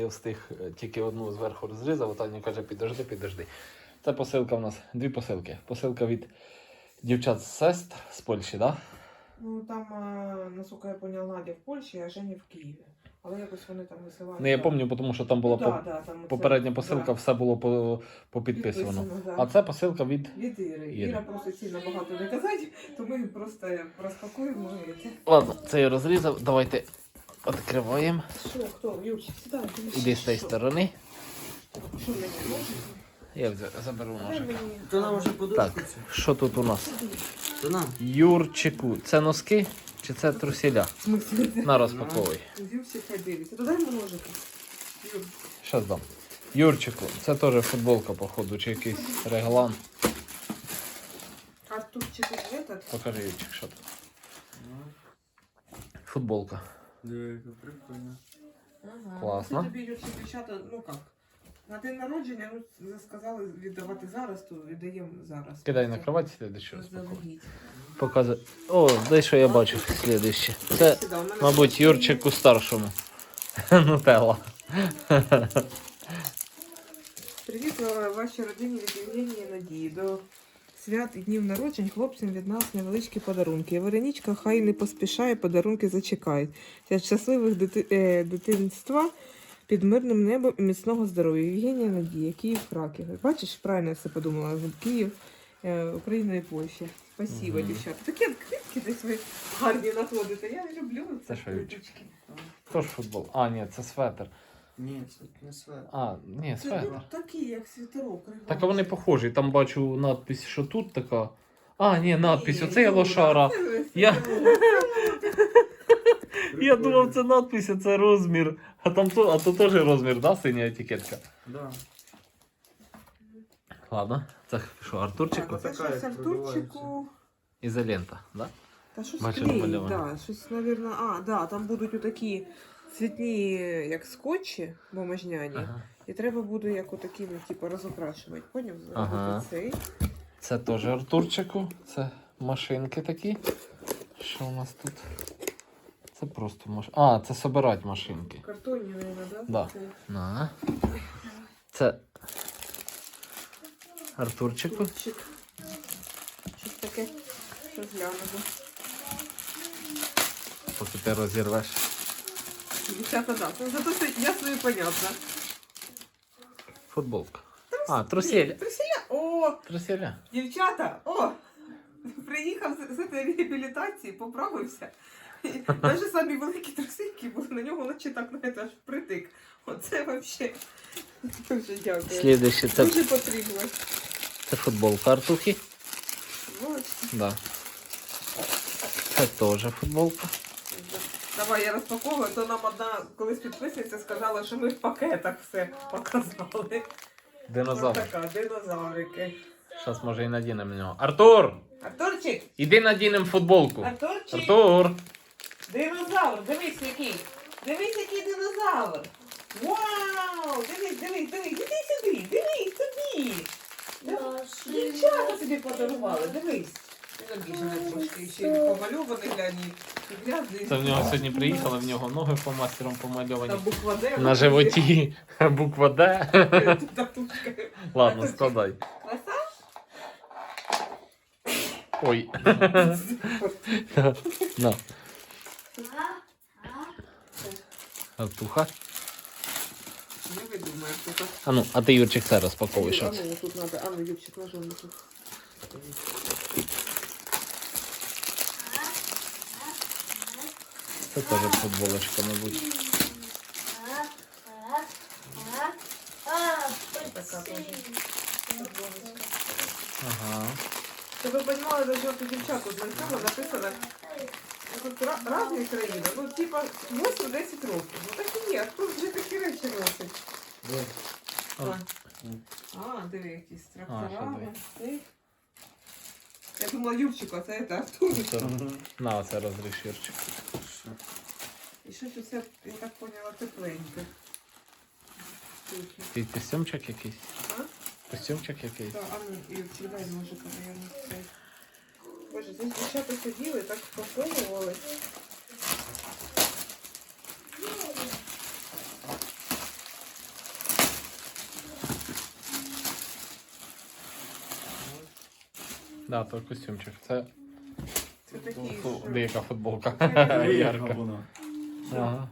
я встиг тільки одну зверху розрізав, а Таня каже, підожди. Це посилка у нас, 2 посилки. Посилка від дівчат з Сест з Польщі, так? Да? Ну там, наскільки я поняла, Надя в Польщі, а Женя в Києві. Але якось вони там висилають. Ну, я пам'ятаю, тому що там була там попередня посилка, все було попідписано. Да. А це посилка від Іри. Іра просить сильно багато не казати, то ми просто розпакуємо. Ладно, це я розрізав. Давайте відкриваємо. Що, хто? Юрчик, сідай. Іди з цієї сторони. Що мені можеш? Я заберу ножик. То нам вже подобається. Так, що тут у нас? То нам. Юрчику, це носки чи це трусіля? На, розпаковуй. Юрчик, хай дивиться. То дай йому ножика. Юр. Щас дам. Юрчику, це теж футболка, походу, чи якийсь реглан. Артурчик этот. Покажи, Юрчик, що тут. Футболка. Диви, яка прикольно. Ага. Класно. Це тобі, Юрчик, дівчата, ну як? На день народження, ну, сказали віддавати зараз, то віддаємо зараз. Кидай на кровать, слідуючу розпаковуй. Заздалегідь. Показуй. О, дай що я бачу слідуще. Це, Сюди, у мене мабуть, Юрчику старшому. Нутелла. Привіт вашій родині від Євгенії і Надії. До свят і днів народжень хлопцям від нас невеличкі подарунки. Веронічка хай не поспішає, подарунки зачекають. Для щасливих дитинства під мирним небом і міцного здоров'я. Євгенія Надія, Київ, Краків. Бачиш, правильно я все подумала. Київ, Україна і Польща. Спасибо, дівчата. Такі відкритки десь ви гарні знаходите. Я не люблю Це ці що, Юрчик? відкритки. Хто ж футбол? А, ні, це светр. Ні, це не свет. А, ні, Це светр. ну, такі, як світерок. Так а вони похожі. Там бачу надпись, що тут така. А, ні, надпись, Ні, оце я ну, лошара. це Я- світерок. Я думав, це надпись, а це розмір. А там а то теж розмір, да, синя етикетка? Да. Ладно, це що, Артурчику? Так, це Така, щось як Артурчику. Ізолента, да? Та щось Бачу, клеїть, намальовано. да, щось, навірно, да, там будуть отакі цвітні, як скотчі бумажняні. Ага. І треба буде як отакі, ну, типу, розукрашувати. Поняв? Ага. Зробити цей. Це теж Артурчику. Це машинки такі. Що у нас тут? Це просто машинки. А, це собирати машинки. Картонні, мабуть, да? Да. Це На. Це Артурчику. Артурчик. Щось таке, що глянемо. Поки ти розірвеш. Дівчата, да. Ну, зато все ясно і понятно. Футболка. А, труселя. Труселя? О, Труселя. дівчата, о! Приїхав з цієї реабілітації, поправився. Навіть самі великі трусики були, на нього наче так навіть аж притик. Оце взагалі дуже дякую. Слідуще, це Дуже потрібно. футболка Артухи. Бачите. Да. Це теж футболка. Давай я розпаковую, то нам одна колись підписниця сказала, що ми в пакетах все показали. Динозавр. Ось така, динозаврики. Зараз може і надінемо на нього. Артур! Артурчик! Іди надінемо футболку. Артурчик! Артур! Динозавр! Дивись який! Дивись який динозавр! Вау! Дивись! Іди сюди! Дивись собі! Дівчата собі подарували, дивись! Він обіжений трошки, ще й помальований, глянь, і грязний. Це в нього сьогодні приїхали, в нього ноги фломастером Там помальовані. буква Д. На животі буква Д. Татушка. Ладно, складай. Краса? Ой. На. Артуха. Не видумаєш, що так. А ну, а ти, Юрчик, це розпаковуй, що А це. ну, тут надо, а ну, Юрчик, ножом тут. Це теж футболочка, мабуть. Така теж. Ага. Щоб ви розуміли, за що тут дівчатку з цього написано, тут різні країни, ну, типа 8-10 років. Ну, так і є, хто вже такі речі носить? А, диви, якісь що трактора. диви? Цей. Я думала, Юрчику, а це Артур. Це- На, це розріж, Юрчик. І щось усе, я так поняла, тепленьке. Ти костюмчик якийсь? А? Костюмчик якийсь? Так, а ну, Юрчик, дай ножик, наверное, цей. Боже, здесь дівчата сиділи, так спокоювали. Да, то костюмчик. Це Це такі, що... деяка футболка. Ярка Ярка. воно. Ага.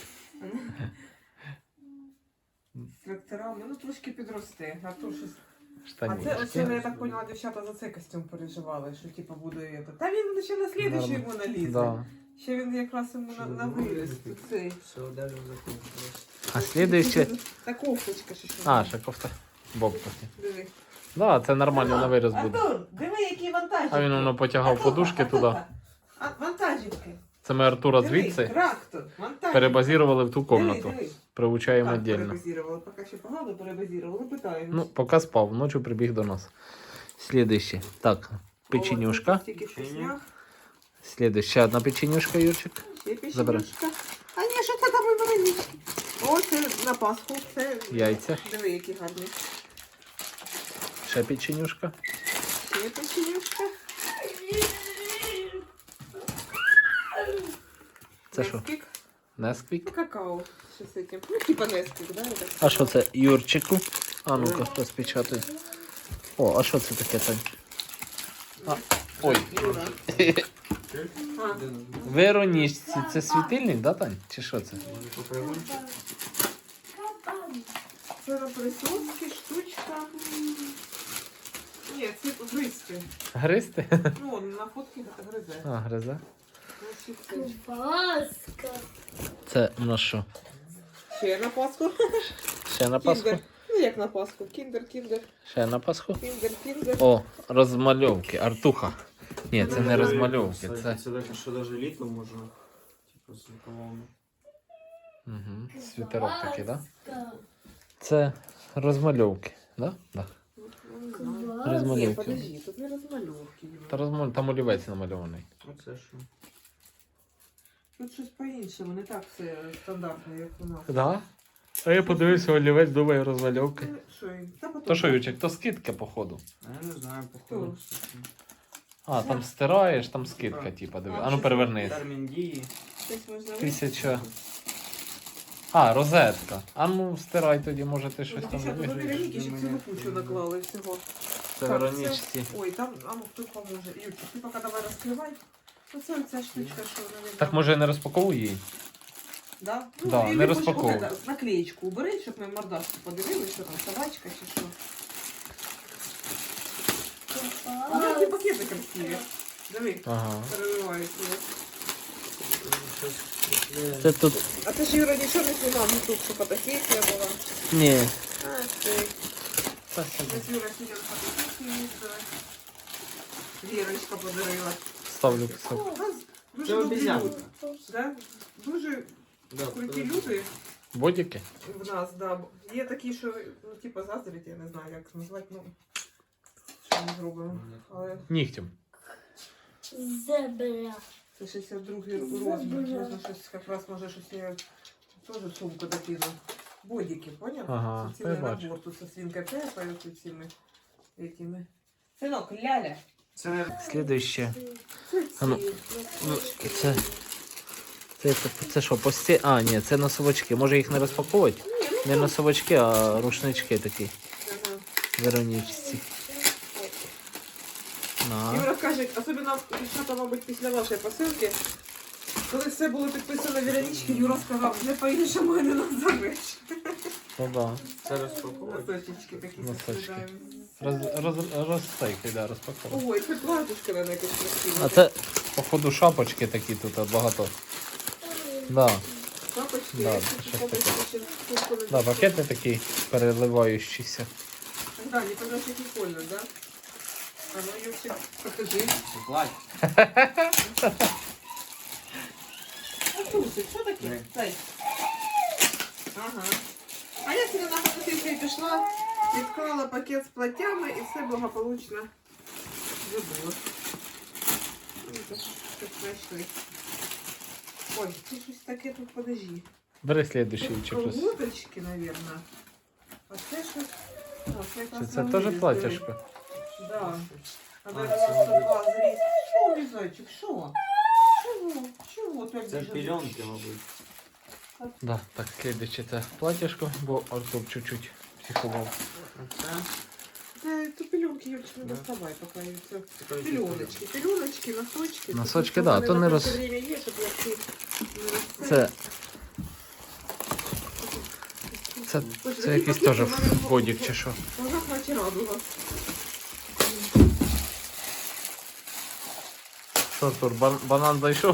З тракторами, ну трошки підросте. А то щось... А Штанішки. це, оце, я так поняла, дівчата за цей костюм переживали, що типу буде это. Та він ще на слідуючий йому налізе. Да. Ще він якраз йому на виріс. Цей. Все, далі закончилось. А слідуюче... Та кофточка ще що. А, ще кофта. Бобка. Диви. Да, це нормально на вираз буде. Артур, диви, які вантажівки. А він воно потягав подушки туди. А, вантажівки. Це ми Артура Диви, звідси трактор, вантажівки. перебазірували в ту кімнату. Диви, диви. Приучаємо Так, віддільно. перебазірували. Поки ще погано перебазірували. Питаємо. Ну, поки спав, ночі прибіг до нас. Слідуще. Так, печенюшка. Тільки що сняв. Слідуще. Ще одна печенюшка, Юрчик. Ще Забирай. печенюшка. А ні, що це там варенички? О, це на Пасху. Це... Яйця. Диви, які гарні. Ще печенюшка. Ще печенюшка. Це що? Несквік. Несквік. Ну, какао. Що з цим? Ну, типа Несквік, да? Так. А що це Юрчику? А ну-ка, розпечатай. О, а що це таке, Тань? А, ой. Юра. А, Веронічці, це світильник, да, Тань? Чи що це? це на присоски, штучка. Ні, це гризти. Гристи? Ну, на фотки гризе. А, гризе. Значить, це. Паска. Це на що? Ще на Пасху. Ще на Пасху? Кіндер. Ну, як на Пасху. Кіндер, кіндер, Ще на Пасху? кіндер, кіндер. О, розмальовки, Артуха. Ні, це не розмальовки, це... Це таке, що навіть літло можна. Типу, з рукавами. Угу. Світерок такий, да? Паска. Це розмальовки, да? Да. Ні, Розмальовки. подожди, тут не розмальовки. Та там олівець намальований. Оце що? Тут щось по-іншому, не так все стандартно, як у нас. Да? А я подивився олівець, думаю, розмальовки. Що, та потім. То що, Ючик, то скидка, походу. А я не знаю, походу. А, там стираєш, там скидка, типа, диви. А ну перевернись. Термін дії. Щось можна 1000. А, розетка. А ну стирай тоді, може ти щось там Дівчата, вибіг. ви Вероніки ще цілу кучу наклали всього. Це Так, Веронічці. Ой, там, а ну хто поможе. Юрчик, ти поки давай розкривай. Оце оця штучка, що вона Так може я не розпаковую її? Да? Да, і не ви розпаковуй. хоч от наклеєчку убери, щоб ми мордашку подивилися, що там собачка чи що. А які пакети красиві. Диви, Ага. переливаються. Це тут. А ти ж, Юра, нічого не знімав, ну тут, що фотосесія була. Ні. А, ти. Та собі. Ось Юра сидів фотосесію їздила. Вірочка подарила. Ставлю писок. У нас дуже Це добрі обіцянка. люди. Да? Дуже Да, круті люди Бодіки? в нас, да. Є такі, що, ну, типу, заздрять, я не знаю, як назвати, ну, що ми зробимо. Але Нігтем. Зебра. це 62-й розмір. Можна щось, якраз, може, щось я теж сумку докину. Бодики, поняв? Ага, Це та я цілий бачу. набор, тут со свинка Пепа, і тут цими этими. Синок, ляля. Це не Слідуще. Це А ну, ці ну, носочки. Це що, пості? А, ні, це носовочки. Може їх не розпаковувати? Не носовочки, а рушнички такі. Ага. Веронічці. На. Юра каже, особливо дівчата, мабуть, після вашої посилки, коли все було підписано Веронічки, Юра сказав, не по-іншому не назовеш. Ну да. це розпаковувати. Носочечки такі Носочки. составляємо. Розстейки, да, розпаковувати. Ой, це платочка на якось красиве. А це, походу, шапочки такі тут багато. Да. Папочки, Да, я щось хочу таке. ще куртку на Да, пакети такі переливаючіся. Да, не казав, що прикольно, да? А ну, Юрчик, покажи. Плать. А трусик, що таке? Ні. Дай. Ага. А я сьогодні на фотосесію пішла, відклала пакет з платтями і все благополучно забула. Щось знайшли. Ой, це щось таке тут, подожди. Бери слідуючий Тут щось. колготочки, наверное. А це щось... О, це якраз Чи це на теж виріз, платяшко? диви. Да. А А, даже це 102 зріз. Що, Лізочек, що? Чого? Чого ти Це біжиш? пільонки, мабуть. Да, так, слідуюче це платяшко, бо Артур чуть-чуть психував. Оце. Це то пеленки, Юрчик, не Да. доставай, пока я це. Такой Пеленочки, пеленочки, носочки. Носочки, Тут да, у мене то не на роз- це время є, щоб я ці не розсипала. Це якийсь теж годік чи що. Вона наче радуга. Що, Артур, банан зайшов?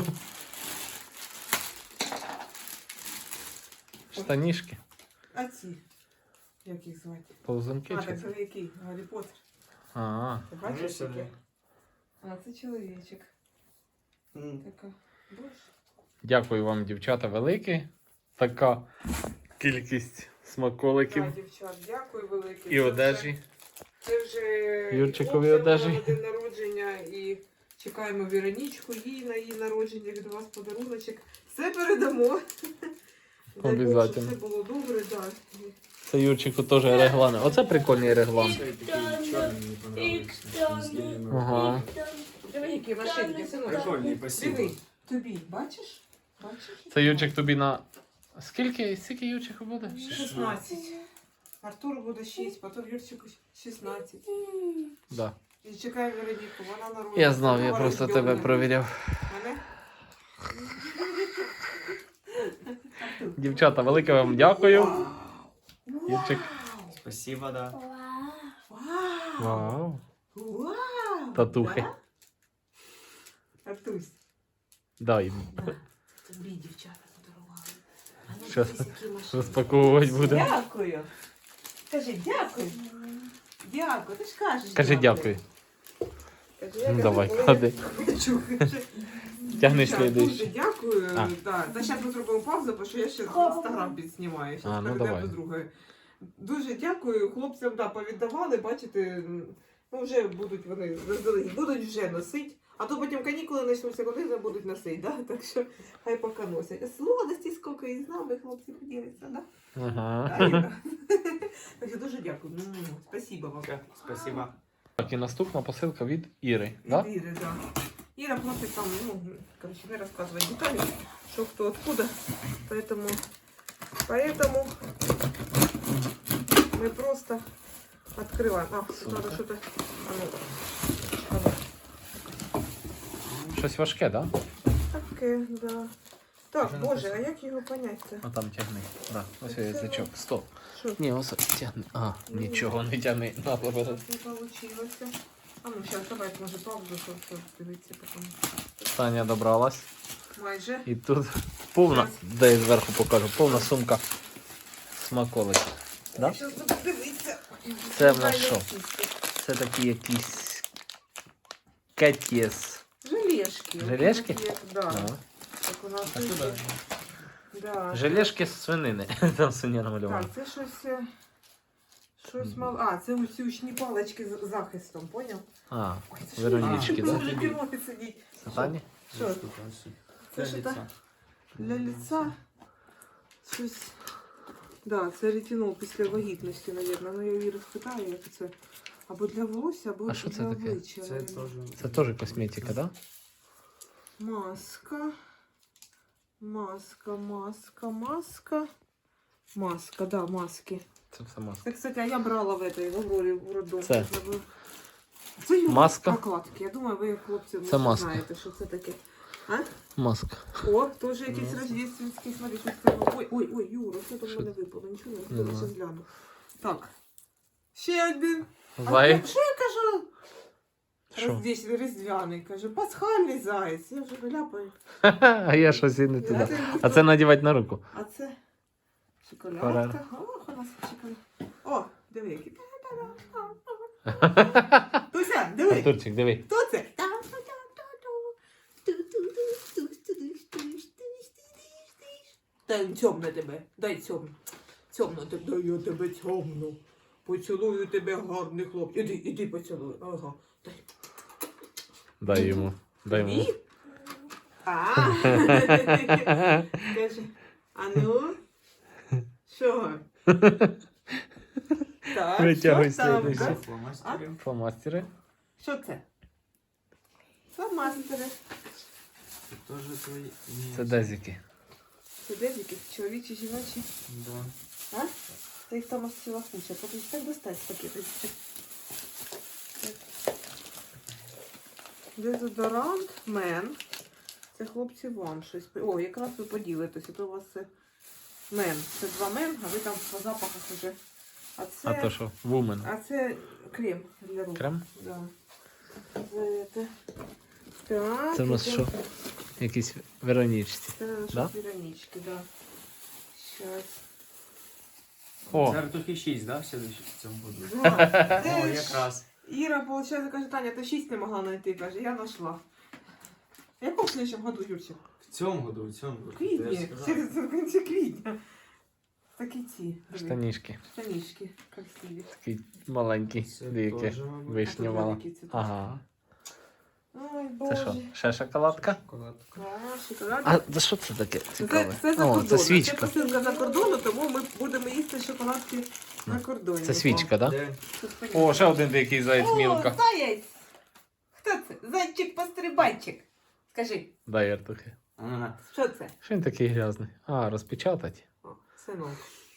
Штанішки, А ці? Як їх звати? повзунки А, чи так це? це який? Гаррі Поттер. А, Ти бачиш Конечно, таке? А, це чоловічок. М. Така. Боже. дякую вам, дівчата, велике. Така кількість смаколиків Да, дівчат, дякую велике. і одежі. Це вже Юрчикові і хлопцям одежі. на день народження і чекаємо Віронічку, їй на її народження від вас подаруночок. Все передамо. Дай Бог, щоб Обязательно. все було добре, да. Це Юрчику теж реглан. Оце прикольний реглан. Все такие черные не понравились. Не сделаны. Ага. Диви, які машинки, синочок. Прикольные, спасибо. Диви, тобі, бачиш? Бачиш? Це Юрчик тобі на... Скільки Юрчику буде? 16. Артуру буде 6, потім Юрчику 16. Да. І чекаємо Вероніку, вона народиться. Я знав, я Друга просто рождена. тебе провіряв. Мене? Дівчата, велике вам дякую. Юрчик. Спасибо, да. Вау! Вау. Вау! Татухи. Да? Артусь, Дай. да. Тобі дівчата подарували. А ну, Щас дивись, які машини. розпаковувати будемо. Дякую. Кажи дякую. Дякую, ти ж кажеш. Кажи дякую. Кажи, я Ну, кажу, давай, коли я ходи. хочу, кажи. Тягни Дівчат, дуже слідуючий. дякую. А. Да. Та зараз ми зробимо паузу, тому що я ще інстаграм підснімаю. А, Зараз ну, перейдемо давай. до другої. Дуже дякую. Хлопцям да, повіддавали, бачите, ну вже будуть вони заздалегідь, будуть вже носити. А то потім канікули почнуться, коли вже будуть носити, да? Так що хай поки носять. А сладості скільки і з нами хлопці поділиться, да? Ага. Да, Іра? Так що дуже дякую. Спасибо вам. Все, спасибо. Так, і наступна посилка від Іри. Да? Від Іри, да. Іра просить там, ну, короче, не рассказывать детали, что кто откуда. Поэтому мы просто открываем. А, тут надо что-то. А ну. Щось важке, да? Таке, да. Так, Вже боже, а написано. як його понять це? А там тягни. Да. Ось язичок. Стоп. Що? Ні, ось тягни. А, нічого не тягни. На, Не побери. получилося. А ну, зараз, давай, може, паузу, щоб дивитися потім. Таня добралась. Майже. І тут повна, де я зверху покажу, повна сумка смаколиків. Да? Зараз буду дивитися. Це в нас що? Це такі якісь кетіс. Желешки. Желешки? Такі, да. Ага. Так у нас А тут сюда? є. Да. Желешки з свинини. Там свиня намальована. Так, це щось мало. А, це ці учні палички з захистом, поняв? А, Ой, це Веронічки, що? да? Може керувати сидіть. Це Тані? Що? Штука вообще. Це Для що лица. так? Для лица щось. Да, це ретинол після вагітності, мабуть. Ну я її розпитаю, як це. Або для волосся, або А що це для таке? обличчя. Це мабуть. тоже. Це теж косметика, да? Маска. Маска, да, маски. Це все маска. Це, кстати, а я брала в этой, в Аврорі, в роддомі. Це? Це його Маска? прокладки. Я думаю, ви, хлопці, Це може, маска. знаєте, що це таке. А? Маска. О, теж якийсь Маска. рождественський, смотри, щось там. Ой, Юра, що там в Що? мене випало? Нічого Не не знаю. зараз гляну. Так. Ще один. Зай. Що я кажу? Що? Різдвяний, каже, пасхальний заяць. Я вже виляпаю. А я щось і не туди. А це надівати на руку. А це Ферер. шоколадка. Ох, у нас шоколад. О, диви, який. Туся, диви. Артурчик, диви. Хто це? Дай цьомно тебе, дай цьомно. Цьомно тебе, дай я тебе цьомно. Поцілую тебе, гарний хлопець. Іди поцілуй. Ага. Дай. Дай йому. Дай йому. Ні? А. Каже, а ну? Що? Так, Витягуй що там? слідуючий. А? Фломастери. Фломастери. Що це? Фломастери. Це тоже твої. Ні. Це дезіки. Це дезіки, чоловічі, жіночі. Да. А? Та їх там ось ціла куча. Подивись, так достать з пакету. Дезодорант Мен. Це хлопці вам щось. О, якраз ви поділитеся. То у вас це Мен. Це 2 Мен, а ви там по запахах вже. А це, А то що? Вумен. а це крем для рук. Крем? Да. Це. Так, Це в нас іде- що? Якісь Веронічці. Це наші Да? піранічки, да. Щас. О, Це ртухи 6, да, в цьому году? Да. О, Це ж якраз. Іра, виходить, каже, Таня, ти 6 не могла знайти, каже, я знайшла. В якому слідчому году, Юрчик? В цьому году. В квітні. В кінці квітня. Такі ці. штанішки. Штанішки красиві. Такі маленькі. Це Двійки. теж, мабуть, Вишня мала. Великі ці теж. Ага. Ой, Це Боже. що? Ще шоколадка? шоколадка. Шоколад. А за що це таке цікаве? Це за О, кордону. це Це свічка. посилка за кордону, тому ми будемо їсти шоколадки на кордоні. Це свічка, так? Да? Де? Тут понятно. О, ще один дикий заяць О, мілка. заєць! Хто це? Зайчик-пострибайчик. Скажи, Дай артухи. Ага. що це? Що він такий грязний? А, розпечатать. О, синок.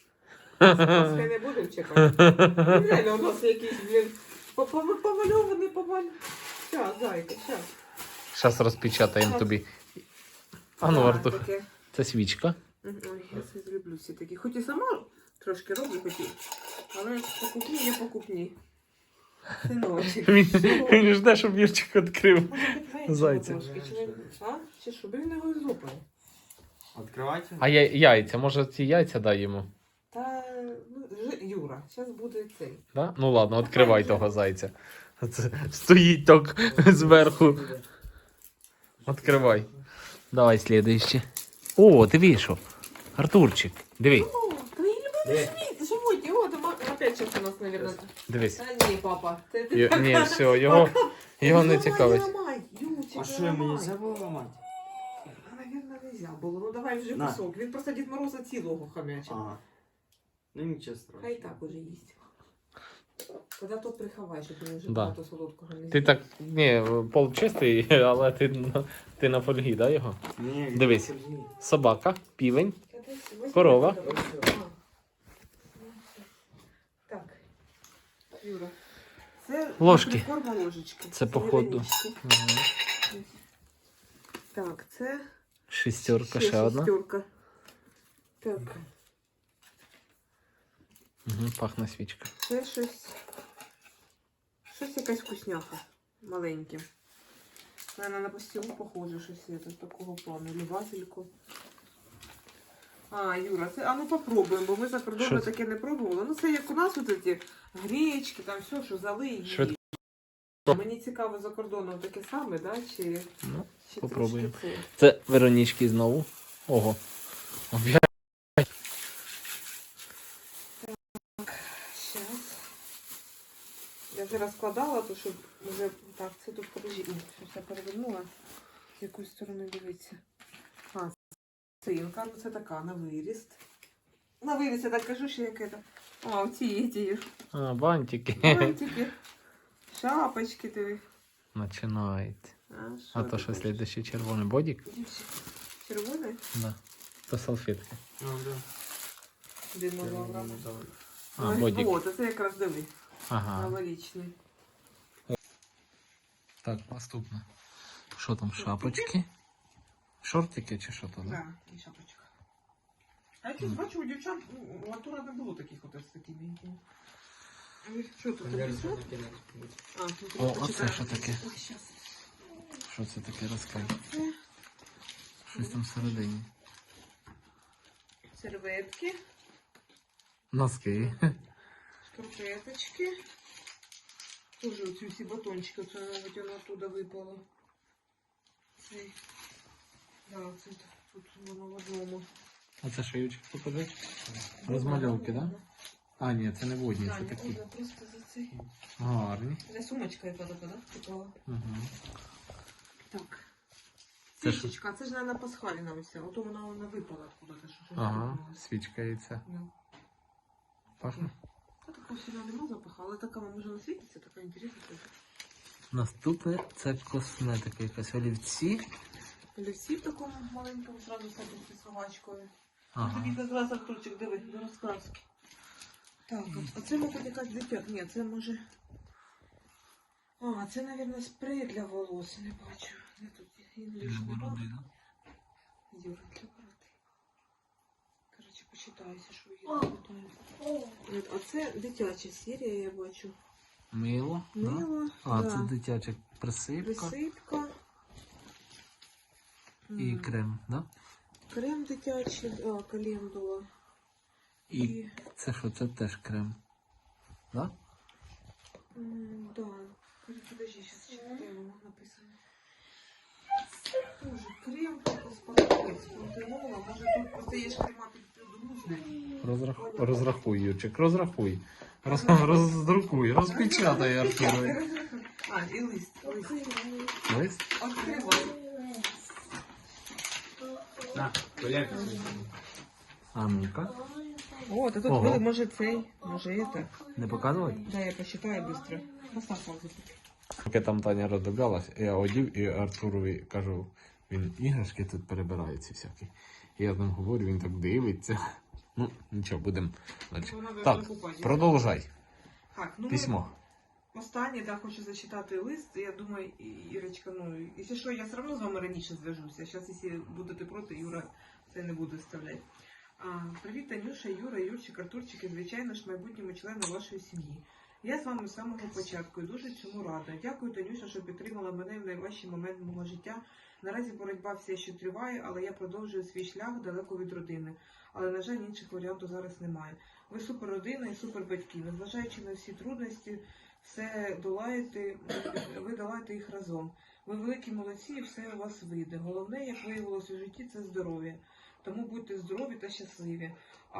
Нас ще не будемо чекати. Він реально у нас якийсь, блін, помальований. Щас, зайка, щас. Зараз розпечатаємо тобі. А ну, Так, Артур, таке. це свічка. Ой, я це зроблю всі такі. Хоч і сама трошки роблю, але покупні є покупні. Синочок. Він жде, щоб Вірчик відкрив. Може, Зайця. трошки, чи він- А? Чи що? Він його злопає. Відкривайте. А яйця, може ці яйця дай йому? Та, ну, Юра, зараз буде цей. Да? Ну ладно, відкривай того зайця. Це стоїть так зверху. Відкривай. Давай слідуюче. О, диви що. Артурчик, диви, О, твої любимі Де? світ, животі. О, там опять щось у нас, мабуть. дивись. Та ні, папа. Це ти. Ні, все, його не цікавить. А що мені нельзя було ламати? Наверное, нельзя було. Ну давай вже На. кусок. Він просто Дід Мороза цілого хам'ячив. Ага. Ну нічого страшного. Хай так уже їсть. Тоді то приховай, щоб він вже Да. багато солодкого не Ти з'їв. так, ні, пол чистий, але ти на фольгі, да, його? Ні, Дивись. Собака, півень. Та десь возьми Корова. це, давай. А. Так. Юра. Це Ложки. форма ложечки. Це походу. невеличкі. Угу. Так, це Шістерка, ще одна. шістерка. Так, Угу, пахне свічка. це щось. Щось якась вкусняха. Маленьке. Наверное, на пастилу похоже щось це, такого плану. Любательку. А, Юра, це, а ну попробуємо, бо ми за Що кордоном це? таке не пробували. Ну це як у нас от ці гречки, там все, що зали її. Швидко. Мені цікаво за кордоном таке саме, да? Чи Ну, чи попробуємо. трошки це? це Веронічки знову. Ого. Щас. Я вже розкладала, то щоб вже так, це тут подожди. Ні, щось я перевернула. З якої сторони дивиться. А, цинка, ну це така, на виріст. На виріст, я так кажу, що як це. А, оці А, бантики. бантики, шапочки диви. Починається. Що А то ти що хочеш? слідуючий червоний бодік? Дівчик, червоний? Да. То салфетки. Ну, да. Динозавра. А, бодік. О, то це якраз диви. Ага. Новорічний. Так, наступне. Що там, шапочки? Шортики чи що то? Да? Так, і шапочка. А якось бачу, у дівчат у Артура не було таких от з такими. Що тут? А, тут О, почекай. оце що таке? Ой, щас. Що це таке, розкажи? Щось там всередині. Серветки, Носки. шкарпеточки. Тоже оці всі батончики, оце навіть воно оттуда випало. Цей. Да, це тут воно в одному. А це шиючок покажи? Розмальовки, так? Да? А, ні, це не водні, це Таня, такі. просто за цей. Гарні. Це сумочка яка така, да? Такова. Угу. Так. Це що? Свічечка, це ж, мабуть, пасхаліна ось. Ото вона випала откуда-то. Що Ага, випала. свічка і це. Да. Пахне. Та такого сильно нема запаху, але така може не світиться, така інтересна. Наступне це косметика, якась олівці. Олівці в такому маленькому зразу садиться з собачкою. Ага. Тобі якраз Артурчик, диви, до розкраски. Так, а це, мабуть, якась дитя. Ні, це може... А, це, мабуть, спрей для волос, не бачу. Де тут інгліш? Юра, для бороди. Коротше, почитаюся, що є. От, а це дитяча серія, я бачу. Мило. Да? Мило, А, да. це дитяча присипка Присипка. і крем, да? Крем дитячий, календула. І це що, це теж крем. Да? Да. Подожди, сейчас читаю, написано. Тоже крем, успокоить, спонтанола. Может, тут просто есть крема підгрузне. Розрахуй, Юрчик, розрахуй. Роздрукуй, розпечатай, Артурові. А, і лист. Лист? Откривай. На, Коляк. А ну-ка. О, та тут Ого. буде, може цей, може это. Не показувати? Да, я посчитаю быстро. Поставь паузу. Поки там Таня роздивлялась, я одів і Артурові кажу, він іграшки тут перебирає ці всякі. І я там говорю, він так дивиться. Ну, нічого, будемо далі. Так, продовжай. Так, ну Письмо. останнє, да, хочу зачитати лист. Я думаю, Ірочка, ну, якщо що, я все одно з вами раніше зв'яжуся. Зараз, якщо будете проти, Юра це не буде вставляти. Привіт, Танюша, Юра, Юрчик, Артурчик і, звичайно ж, майбутньому члену вашої сім'ї. Я з вами з самого початку і дуже цьому рада. Дякую, Танюша, що підтримала мене в найважчий момент мого життя. Наразі боротьба все ще триває, але я продовжую свій шлях далеко від родини. Але, на жаль, інших варіантів зараз немає. Ви супер родина і супер батьки. Незважаючи на всі трудності, все долаєте, ви долаєте їх разом. Ви великі молодці і все у вас вийде. Головне, як виявилось у житті, це здоров'я. Тому будьте здорові та щасливі.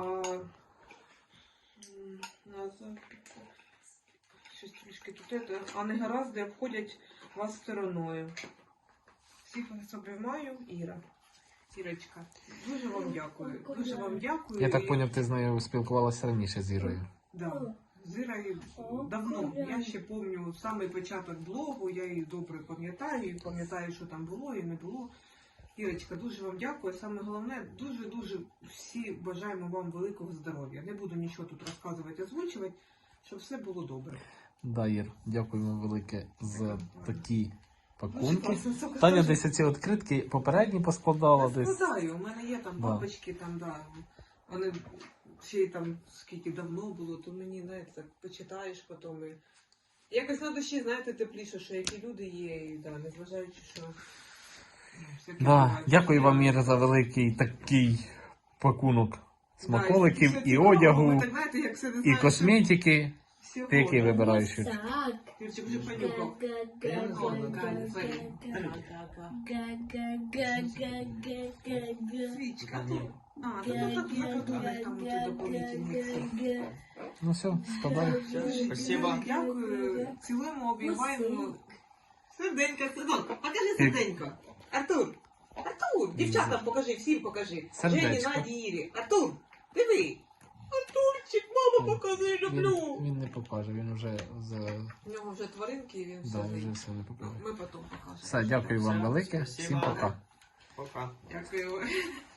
Щось трішки тут а негаразди обходять вас стороною. Всіх вас обіймаю, Іра. Ірочка, дуже вам дякую. Дуже вам дякую. Я так зрозумів, ти з нею спілкувалася раніше з Ірою. Да. З Ірою давно. Я ще пам'ятаю самий початок блогу, я її добре пам'ятаю, і пам'ятаю, що там було і не було. Ірочка, дуже вам дякую. Саме головне, дуже-дуже всі бажаємо вам великого здоров'я. Не буду нічого тут розказувати, озвучувати, щоб все було добре. Да, Ір, дякуємо велике за такі пакунки. Дуже класно. Таня десь оці відкритки попередні поскладала Я десь. складаю, у мене є там Да. папочки, там, да. Вони ще й там скільки давно було, то мені, знаєте, почитаєш потім. І... Якось на душі, знаєте, тепліше, що які люди є, і да, незважаючи, що... ну, всяке Да, буває. дякую вам, Іра, за великий такий пакунок смаколиків Да, і все одягу, цікаво, так, знаєте, як все, не і знаєш, косметики. всього, Ти який да. вибираєш? Юр? Юрчик, вже понюхав. Свічка. А, тут так є продукти, там тут дополнительні. Ну все, складай. Спасибо. Дякую. Цілуємо, обіймаємо. Серденько, Сидон, покажи серденько. Артур, Артур, дівчатам покажи, всім покажи. Сердечко. Жені, Наді, Ірі. Артур, диви. Артурчик, мама, покажи, люблю. Він не покаже, він вже У нього вже тваринки, він да, все. вже все не покаже. Ми потім покажемо. Все, дякую вам велике. Всім Спасибо. пока. Пока. Дякую.